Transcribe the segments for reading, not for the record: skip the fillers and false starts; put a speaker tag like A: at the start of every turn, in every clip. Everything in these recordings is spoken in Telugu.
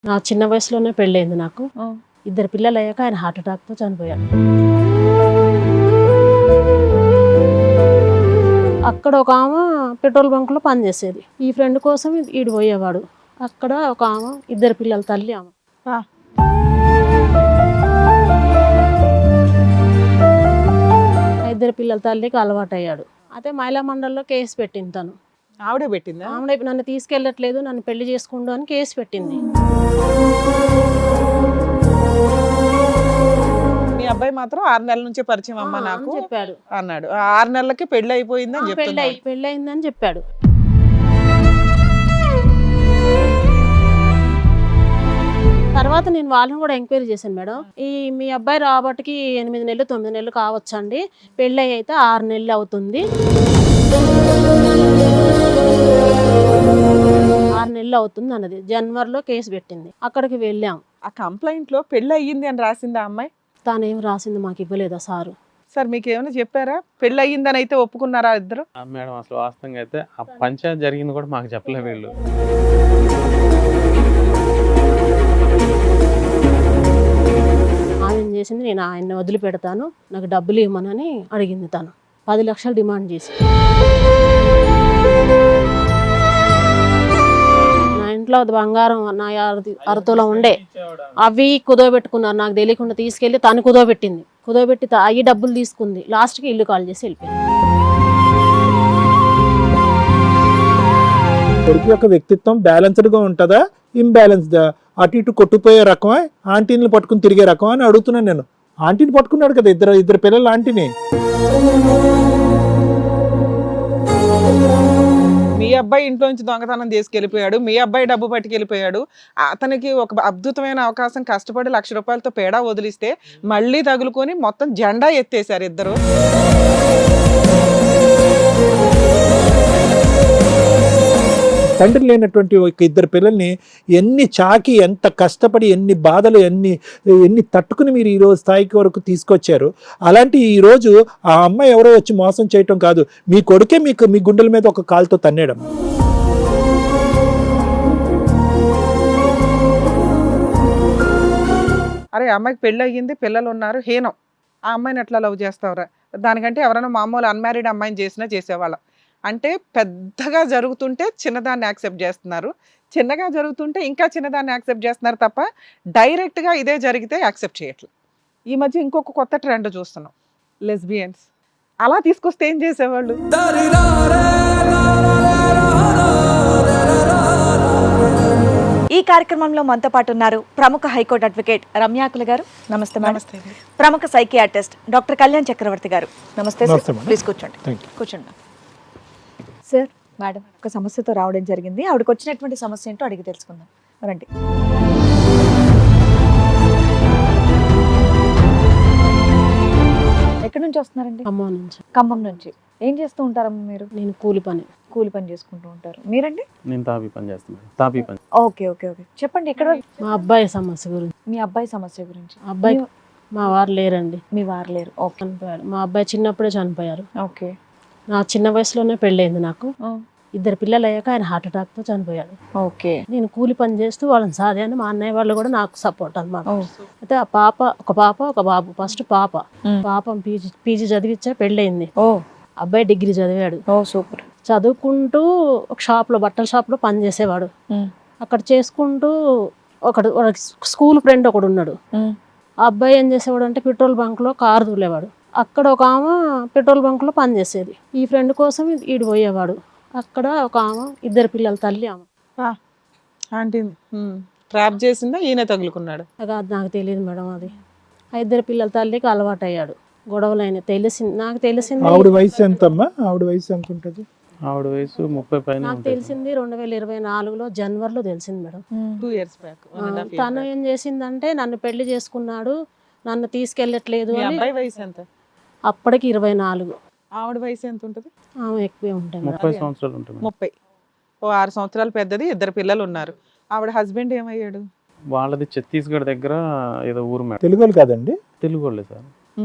A: నా చిన్న వయసులోనే పెళ్ళైంది నాకు. ఇద్దరు పిల్లలు అయ్యాక ఆయన హార్ట్ అటాక్తో చనిపోయాడు. అక్కడ ఒక ఆమె పెట్రోల్ బంక్లో పనిచేసేది. ఈ ఫ్రెండ్ కోసం ఈడు పోయేవాడు. అక్కడ ఒక ఆమె ఇద్దరు పిల్లల తల్లి ఆమె. ఇద్దరు పిల్లల తల్లికి అలవాటు అయ్యాడు. అయితే మహిళా మండలిలో కేసు పెట్టింది తను.
B: ఆవిడే పెట్టిందా?
A: ఆవిడ నన్ను తీసుకెళ్ళట్లేదు, నన్ను పెళ్లి చేసుకుంటూ అని కేసు పెట్టింది.
B: మీ అబ్బాయి మాత్రం 6 నెలల నుంచే పరిచయం అమ్మ నాకు
A: చెప్పాడు
B: అన్నాడు. 6 నెలలకి పెళ్లి అయిపోయిందని చెప్తున్నాడు.
A: పెళ్లి అయిందని చెప్పాడు. తర్వాత నేను వాళ్ళని కూడా ఎంక్వైరీ చేశాను మేడం. మీ అబ్బాయి రాబట్టికి 8 నెలలు 9 నెలలు కావచ్చండి, పెళ్ళి అయితే 6 నెలలు అవుతుంది, 6 నెలలు అవుతుంది అన్నది. జనవరిలో కేసు పెట్టింది. అక్కడికి వెళ్ళాం.
B: ఆ కంప్లైంట్ లో పెళ్లి అయ్యింది అని రాసిందా అమ్మాయి?
A: తానేం రాసింది మాకు ఇవ్వలేదా సారు?
B: సార్ మీకు ఏమైనా చెప్పారా? పెళ్లి అయ్యిందని అయితే ఒప్పుకున్నారా ఇద్దరు?
C: మేడం అసలు వాస్తవంగా అయితే ఆ పంచాయతీ జరిగింది కూడా మాకు చెప్పలే వీళ్ళు.
A: ఆమె చేసింది, నేను ఆయన్ని వదిలిపెడతాను, నాకు డబ్బులు ఇవ్వమనని అడిగింది. తను 10 లక్షలు డిమాండ్ చేసి. నా ఇంట్లో బంగారం నా అరతోలో ఉండే అవి కుదోబెట్టుకున్నారు. నాకు తెలియకుండా తీసుకెళ్ళి తను కుదోబెట్టింది. కుదోబెట్టి అవి డబ్బులు తీసుకుంది. లాస్ట్కి ఇల్లు కాల్ చేసి వెళ్ళిపోయింది.
D: కొడుకు యొక్క వ్యక్తిత్వం బ్యాలెన్స్డ్ గా ఉంటుందా, ఇంబ్యాలెన్స్డా? అటు ఇటు కొట్టుపోయే రకమా, ఆంటీని పట్టుకుని తిరిగే రకమా అని అడుగుతున్నాను నేను. ఆంటీని పట్టుకున్నాడు కదా, ఇద్దరు పిల్లలు ఆంటీని.
B: మీ అబ్బాయి ఇంట్లో నుంచి దొంగతనం తీసుకెళ్లిపోయాడు, మీ అబ్బాయి డబ్బు పట్టుకెళ్ళిపోయాడు. అతనికి ఒక అద్భుతమైన అవకాశం, కష్టపడి 1,00,000 రూపాయలతో పేడా వదిలిస్తే మళ్ళీ తగులుకొని మొత్తం జెండా ఎత్తేసారు ఇద్దరు.
D: తండ్రి లేనటువంటి ఒక ఇద్దరు పిల్లల్ని ఎన్ని చాకి, ఎంత కష్టపడి, ఎన్ని బాధలు, ఎన్ని తట్టుకుని మీరు ఈరోజు స్థాయికి వరకు తీసుకొచ్చారు. అలాంటి ఈరోజు ఆ అమ్మాయి ఎవరో వచ్చి మోసం చేయటం కాదు, మీ కొడుకే మీ గుండెల మీద ఒక కాలుతో తన్నేయడం.
B: అరే అమ్మాయికి పెళ్ళి అయ్యింది, పిల్లలు ఉన్నారు, హీనం. ఆ అమ్మాయిని ఎట్లా లవ్ చేస్తావురా? దానికంటే ఎవరైనా మామూలు అన్మ్యారీడ్ అమ్మాయిని చేసినా చేసేవాళ్ళం. అంటే పెద్దగా జరుగుతుంటే చిన్నదాన్ని యాక్సెప్ట్ చేస్తున్నారు, చిన్నగా జరుగుతుంటే ఇంకా చిన్నదాన్ని యాక్సెప్ట్ చేస్తున్నారు తప్ప డైరెక్ట్గా ఇదే జరిగితే యాక్సెప్ట్ చేయట్లేదు. ఈ మధ్య ఇంకొక కొత్త ట్రెండ్ చూస్తున్నాం, లెస్బియన్స్. అలా తీసుకొస్తే ఏం చేసేవాళ్ళు?
E: ఈ కార్యక్రమంలో మనతో పాటు ఉన్నారు ప్రముఖ హైకోర్టు అడ్వకేట్ రమ్యాకుల గారు. నమస్తే మేడం. ప్రముఖ సైకియాట్రిస్ట్ డాక్టర్ కళ్యాణ్ చక్రవర్తి గారు. నమస్తే సార్. ప్లీజ్ కూర్చోండి. కూర్చోండి సార్. మేడం ఒక సమస్యతో రావడం జరిగింది, ఆవిడకి వచ్చినటువంటి సమస్య ఏంటో అడిగి తెలుసుకుందాం. రండి. ఎక్కడి నుంచి వస్తున్నారండి?
A: ఖమ్మం నుంచి.
E: ఖమ్మం నుంచి. ఏం చేస్తూ ఉంటారమ్మా మీరు?
A: నేను కూలి పని
E: చేసుకుంటూ ఉంటారు. మీరండి?
C: నేను తాపీ పని చేస్తున్నాను. తాపీ పని.
E: Okay okay okay. చెప్పండి. ఎక్కడ?
A: మా అబ్బాయి సమస్య గురించి.
E: మీ అబ్బాయి సమస్య గురించి.
A: అబ్బాయి మా వారు లేరండి.
E: మీ వారు లేరు. ఓకే.
A: చనిపోయాడు. మా అబ్బాయి చిన్నప్పుడే చనిపోయారు.
E: ఓకే.
A: నా చిన్న వయసులోనే పెళ్ళైంది నాకు. ఇద్దరు పిల్లలు అయ్యాక ఆయన హార్ట్ అటాక్తో చనిపోయాడు.
E: ఓకే. నేను
A: కూలి పని చేస్తూ వాళ్ళని సాధాను. మా అన్నయ్య వాళ్ళు కూడా నాకు సపోర్ట్ అన్నమాట. అయితే ఆ ఒక పాప ఒక బాబు. ఫస్ట్ పాప పీజీ చదివిచ్చా, పెళ్ళయింది. అబ్బాయి డిగ్రీ చదివాడు.
E: సూపర్.
A: చదువుకుంటూ ఒక షాప్లో, బట్టల షాప్లో పని చేసేవాడు. అక్కడ చేసుకుంటూ ఒకడు స్కూల్ ఫ్రెండ్ ఒకడు ఉన్నాడు. ఆ అబ్బాయి ఏం చేసేవాడు అంటే పెట్రోల్ బంక్లో కారు తూలేవాడు. అక్కడ ఒక ఆమె పెట్రోల్ బంక్లో పని చేసేది. ఈ ఫ్రెండ్ కోసం ఈడు పోయేవాడు. అక్కడ ఒక ఆమె ఇద్దరు పిల్లల తల్లి ఆమె.
B: ఆంటీ ట్రాప్ చేసిందా, ఈయన తగులుకున్నాడు?
A: అది నాకు తెలియదు మేడం. అది ఆ ఇద్దరు పిల్లల తల్లికి అలవాటు అయ్యాడు. గొడవలైన నాకు తెలిసింది.
D: ఆవిడ వయసు ఎంతమ్మా? ఆవిడ వయసు ఎంత ఉంటుంది?
C: ఆవిడ వయసు 30 పైన.
A: నాకు తెలిసింది 2024లో జనవరిలో తెలిసింది మేడం.
B: 2 years back.
A: తను ఏం చేసిందంటే నన్ను పెళ్లి చేసుకున్నాడు, నన్ను తీసుకెళ్ళట్లేదు అని.
B: అబ్బాయి వయసు ఎంత?
A: అప్పటికి 24.
B: ఆవిడ వయసు ఎంత ఉంటుంది?
A: ఆమె ఎక్కువే ఉంటుంది.
C: 30 సంవత్సరాలు ఉంటుంది.
B: 30. 6 సంవత్సరాలు పెద్దది, 2 పిల్లలు ఉన్నారు. ఆవిడ హస్బెండ్ ఏమయ్యాడు?
C: వాళ్ళది ఛత్తీస్గఢ్ దగ్గర ఏదో ఊరు మేడం.
D: తెలుగు కాదండి?
C: తెలుగు వాళ్ళే సార్.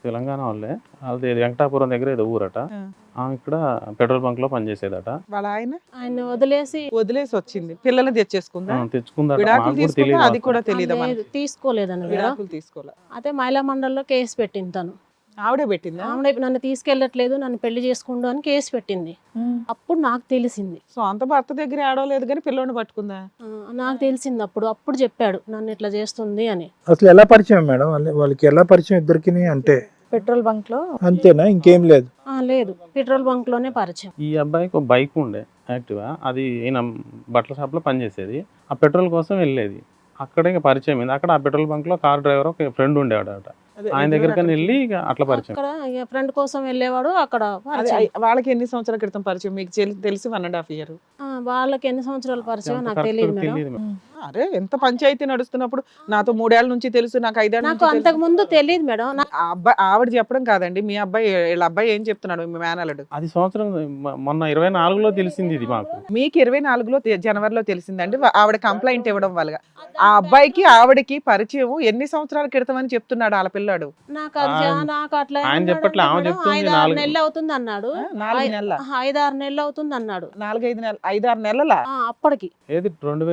C: తెలంగాణ వాళ్ళే. అది వెంకటాపురం దగ్గర ఏదో ఊరట.
B: ఆ.
C: ఆమె ఇక్కడ పెట్రోల్ బంక్ లో పనిచేసేదట.
B: వాళ్ళ ఆయన
A: ఆయన వదిలేసి
B: వదిలేసి వచ్చింది, పిల్లల్ని తెచ్చేసుకుందా,
C: తెచ్చుకుందట.
B: విడాకులు
C: మాకు కూడా
B: తీసుకుందా,
C: తెలియదు
B: అది కూడా తెలియదా
A: లేదు, తీసుకోలేదని మేడం.
B: విడాకులు తీసుకోలే,
A: అయితే మహిళా మండలిలో కేసు పెట్టింది తను.
B: ఆవిడే పెట్టిందా?
A: ఆవిడ నన్ను తీసుకెళ్ళట్లేదు, నన్ను పెళ్లి చేసుకుండు అని కేసు పెట్టింది. అప్పుడు నాకు తెలిసింది.
B: సో అంత భర్త దగ్గర ఆడవలేదు కానీ పిల్లోని పట్టుకుందా?
A: నాకు తెలిసింది అప్పుడు చెప్పాడు నన్ను ఇట్లా చేస్తుంది అని.
D: అసలు ఎలా పరిచయం మేడం వాళ్ళకి, ఎలా పరిచయం ఇద్దరికి? అంటే
E: పెట్రోల్ బంక్ లో
D: అంతేనా, ఇంకేం లేదు?
A: లేదు, పెట్రోల్ బంక్ లోనే పరిచయం.
C: ఈ అబ్బాయికి ఒక బైక్ ఉండే యాక్టివా, అది ఈయన బట్టల షాప్ లో పనిచేసేది. ఆ పెట్రోల్ కోసం వెళ్ళేది. అక్కడ ఇంకా పరిచయం అయింది. అక్కడ ఆ పెట్రోల్ బంక్ లో కార్ డ్రైవర్ ఒక ఫ్రెండ్ ఉండేవాడట.
B: అదే,
C: ఆయన దగ్గరికి వెళ్ళి ఇక అట్లా పరిచయం.
A: అక్కడ ఫ్రెండ్ కోసం వెళ్ళేవాడు. అక్కడ
B: అదే,
A: పరిచయం.
B: వాళ్ళకి ఎన్ని సంవత్సరాల క్రితం పరిచయం మీకు తెలిసి 1.5 year?
A: వాళ్ళకి ఎన్ని సంవత్సరాల పరిచయం
C: అంత
A: నాకు
C: correct
A: తెలియదు మేడం.
C: తెలియదు మేడం.
B: అరే ఎంత పంచాయతీ నడుస్తున్నప్పుడు నాతో 3 ఏళ్ల నుంచి తెలుసు, నాకు 5 ఏళ్ల
A: నాకు
B: నుంచి
A: అంతకు ముందు తెలియదు మేడం.
B: ఆ అబ్బాయి ఆవిడ చెప్పడం కాదండి, మీ అబ్బాయి వీళ్ళ అబ్బాయి ఏం చెప్తున్నాడు మీ మేనల్లుడు?
C: అది సంవత్సరం మొన్న 24లో తెలిసింది ఇది మాకు.
B: మీకు 24లో జనవరిలో తెలిసిందండి. ఆవిడ కంప్లైంట్ ఇవ్వడం వల్ల ఆ అబ్బాయికి ఆవిడకి పరిచయం ఎన్ని సంవత్సరాల క్రితం అని చెప్తున్నాడు వాళ్ళ పిల్లాడు.
A: నాకు అట్లా
C: ఆయన
A: ఏమన్నాడు
C: చెప్పట్లే, ఆమె
A: అంటే
C: చెప్తుంది
A: 5-6
C: 4
A: నెలలు అవుతుంది అన్నాడు.
B: 4 నెలల
A: 5-6 నెలలు అవుతుంది అన్నాడు.
B: 4-5 నెలలు 5-6 నెలల
A: అప్పటికి
C: ఏది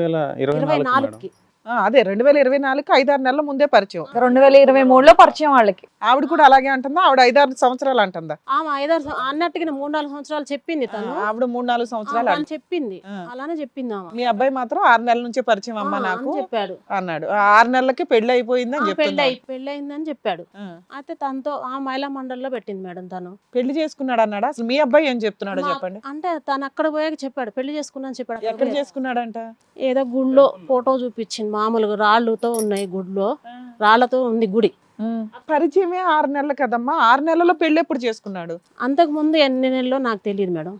C: 2024 మేడం.
A: 24కి.
B: అదే 2024కి 5-6 నెలల ముందే పరిచయం.
E: 2023లో పరిచయం వాళ్ళకి.
B: ఆవిడ కూడా అలాగే అంటుందా? ఆవిడ 5-6 సంవత్సరాలు అంటుందా?
A: ఆమె 5-6 అన్నట్టుగా 3-4 సంవత్సరాలు చెప్పింది తను.
B: ఆవిడ 3-4 సంవత్సరాలు
A: అని చెప్పింది. అలానే చెప్పింది ఆమె.
B: మీ అబ్బాయి మాత్రం 6 నెలల నుంచే పరిచయం అమ్మ
A: అని
B: నాకు
A: చెప్పాడు.
B: అన్నాడు. 6 నెలలకి పెళ్లి అయిపోయిందని చెప్తున్నాడు.
A: పెళ్ళయిందని చెప్పాడు. అయితే తనతో ఆ మహిళా మండలిలో పెట్టింది మేడం తను.
B: పెళ్లి చేసుకున్నాడు అన్నాడా? అసలు మీ అబ్బాయి ఏం చెప్తున్నాడో చెప్పండి.
A: అంటే తను అక్కడ పోయాక చెప్పాడు పెళ్లి చేసుకున్నాను చెప్పాడు.
B: ఎక్కడ చేసుకున్నాడంట?
A: ఏదో గుడిలో ఫోటో చూపించింది. మామూలుగా రాళ్ళతో ఉన్నాయి, గుడిలో రాళ్లతో ఉంది గుడి.
B: పరిచయమే 6 నెలలు కదమ్మా. 6 నెలల్లో పెళ్లి ఎప్పుడు చేసుకున్నాడు?
A: అంతకు ముందు ఎన్ని నెలలో నాకు తెలియదు మేడం.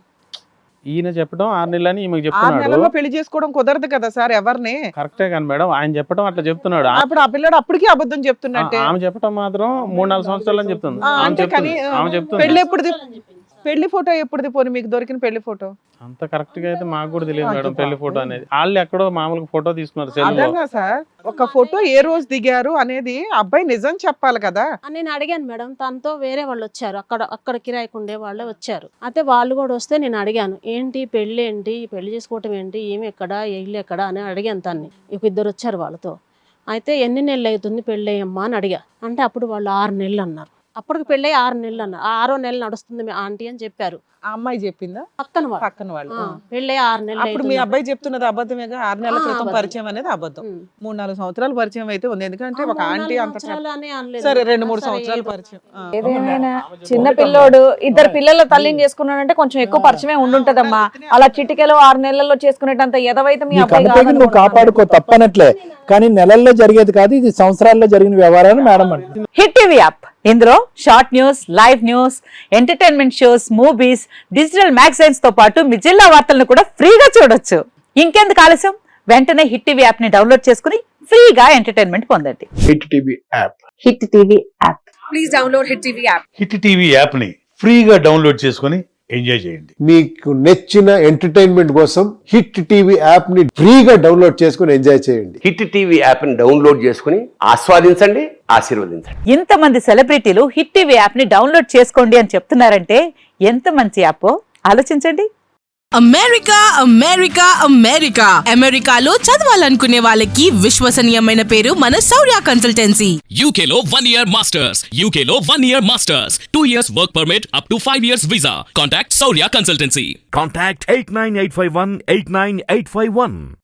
C: ఈయన చెప్పడం 6 నెలలని ఈమెకు
B: 6
C: చెప్తున్నాడు.
B: నెలల్లో పెళ్లి చేసుకోవడం కుదరదు కదా సార్ ఎవరిని.
C: కరెక్టే కానీ మేడం, ఆయన చెప్పడం అట్లా చెప్తున్నాడు.
B: అప్పుడు ఆ పిల్లడు అప్పటికీ అబద్ధం చెప్తున్నట్టే.
C: ఆమె చెప్పడం మాత్రం 3-4 సంవత్సరాలు అని చెప్తుంది.
B: అంటే కానీ
C: ఆమె చెప్తుంది.
B: పెళ్లి ఎప్పుడుది? పెళ్లి ఫోటో ఎప్పుడుది? పోనీ మీకు దొరికిన పెళ్లి ఫోటో
C: అంత కరెక్ట్ గా అయితే మాకు కూడా తెలియదు మేడం. పెళ్లి ఫోటో అనేది వాళ్ళు ఎక్కడో మామూలుగా ఫోటో తీసుకున్నారు సెల్ లో.
B: అదన్నా సార్, ఒక ఫోటో ఏ రోజు దిగారు అనేది అబ్బాయి నిజం చెప్పాలి కదా.
A: నేను అడిగాను మేడం. తనతో వేరే వాళ్ళు వచ్చారు, అక్కడ కిరాయికి ఉండే వాళ్ళే వచ్చారు. అయితే వాళ్ళు కూడా వస్తే నేను అడిగాను, ఏంటి పెళ్లి ఏంటి, పెళ్లి చేసుకోవటం ఏంటి, ఏమి ఎక్కడ, ఇల్లు ఎక్కడ అని అడిగాను తన్ని. ఇద్దరు వచ్చారు వాళ్ళతో. అయితే ఎన్ని నెలలు అవుతుంది పెళ్ళి అయ్యమ్మా అని అడిగా. అంటే అప్పుడు వాళ్ళు 6 నెలలు అన్నారు. అప్పటికి పెళ్ళి 6 నెలలు అన్నారు. 6వ నెల నడుస్తుంది మీ ఆంటీ అని చెప్పారు.
B: ఆ అమ్మాయి చెప్పిందా?
A: పక్కన
B: వాళ్ళు
A: పెళ్ళి 6 నెలలు
B: అప్పుడు మీ అబ్బాయి చెప్తున్నది అబద్ధమేగా. 6 నెలల క్రితం
A: అబద్ధం.
B: పరిచయం అనేది అబద్ధం. 3-4 సంవత్సరాలు పరిచయం అయితే ఉంది. ఎందుకంటే ఒక ఆంటీ అంత
A: అనలేదు.
B: సరే 2-3 సంవత్సరాలు పరిచయం.
E: ఏదేమైనా చిన్న పిల్లోడు 2 పిల్లల తల్లిని చేసుకున్నాడంటే కొంచెం ఎక్కువ పరిచయమే ఉండుంటదమ్మా. అలా చిటికెలో 6 నెలల్లో చేసుకునేటంత ఎదవైతే మీ అబ్బాయి
D: కనుక నువ్వు కాపాడుకో, తప్పనట్లే. కానీ నెలల్లో జరిగేది కాదు, ఇది సంవత్సరాల్లో జరిగిన వ్యవహారాన్ని మేడం అంటే.
E: హిట్ టీవీ యాప్, ఇందులో short news, live news, entertainment shows, movies, digital magazines తో పాటు మీ జిల్లా వార్తలను కూడా ఫ్రీగా చూడొచ్చు. ఇంకెందుకు ఆలస్యం, వెంటనే హిట్ టీవీ యాప్ ని డౌన్లోడ్ చేసుకుని ఫ్రీగా ఎంటర్టైన్మెంట్ పొందండి.
F: Hit TV app.
E: Hit TV app.
G: Please download Hit TV app.
F: Hit TV app ని ఫ్రీగా డౌన్లోడ్ చేసుకొని ఎంజాయ్ చేయండి.
H: మీకు నచ్చిన ఎంటర్టైన్మెంట్ కోసం హిట్ టీవీ యాప్ ని ఫ్రీగా డౌన్లోడ్ చేసుకొని ఎంజాయ్ చేయండి.
I: హిట్ టీవీ యాప్ ని డౌన్లోడ్ చేసుకుని ఆస్వాదించండి, ఆశీర్వదించండి.
E: ఇంతమంది సెలబ్రిటీలు హిట్ టీవీ యాప్ ని డౌన్లోడ్ చేసుకోండి అని చెప్తున్నారంటే ఎంత మంచి యాప్ ఆలోచించండి.
G: అమెరికా అమెరికా అమెరికా అమెరికాలో చదవాలనుకునే వాళ్ళకి విశ్వసనీయమైన పేరు మన శౌర్య కన్సల్టెన్సీ.
J: UK లో 1 year masters. UK లో 1 year masters. 2 years work permit up to 5 years visa. Contact Saurya Consultancy.
K: Contact 89851 89851.